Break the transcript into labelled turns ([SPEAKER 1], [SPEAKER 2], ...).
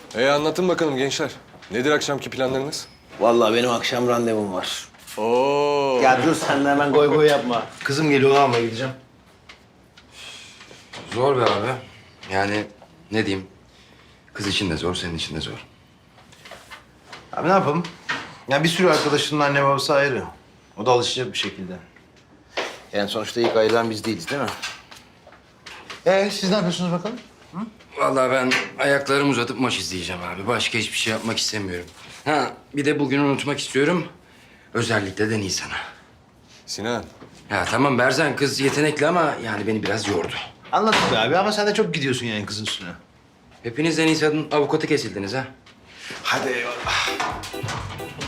[SPEAKER 1] Anlatın bakalım gençler. Nedir akşamki planlarınız?
[SPEAKER 2] Vallahi benim akşam randevum var.
[SPEAKER 1] Oo.
[SPEAKER 2] Ya dur sen de hemen goy goy yapma. Kızım geliyor, onu almaya gideceğim.
[SPEAKER 3] Zor be abi. Yani ne diyeyim? Kız için de zor, senin için de zor.
[SPEAKER 2] Abi ne yapalım? Ya bir sürü arkadaşının anne babası ayrı. O da alışacak bir şekilde. Yani sonuçta ilk ayrılan biz değiliz değil mi? Siz ne yapıyorsunuz bakalım?
[SPEAKER 3] Vallahi ben ayaklarımı uzatıp maç izleyeceğim abi. Başka hiçbir şey yapmak istemiyorum. Ha, bir de bugünü unutmak istiyorum. Özellikle de Nisan'a.
[SPEAKER 1] Sinan.
[SPEAKER 3] Ya tamam Berzan kız yetenekli ama yani beni biraz yordu.
[SPEAKER 2] Anladım be abi ama sen de çok gidiyorsun yani kızın üstüne.
[SPEAKER 3] Hepiniz de Nisan'ın avukatı kesildiniz ha.
[SPEAKER 2] Hadi eyvallah.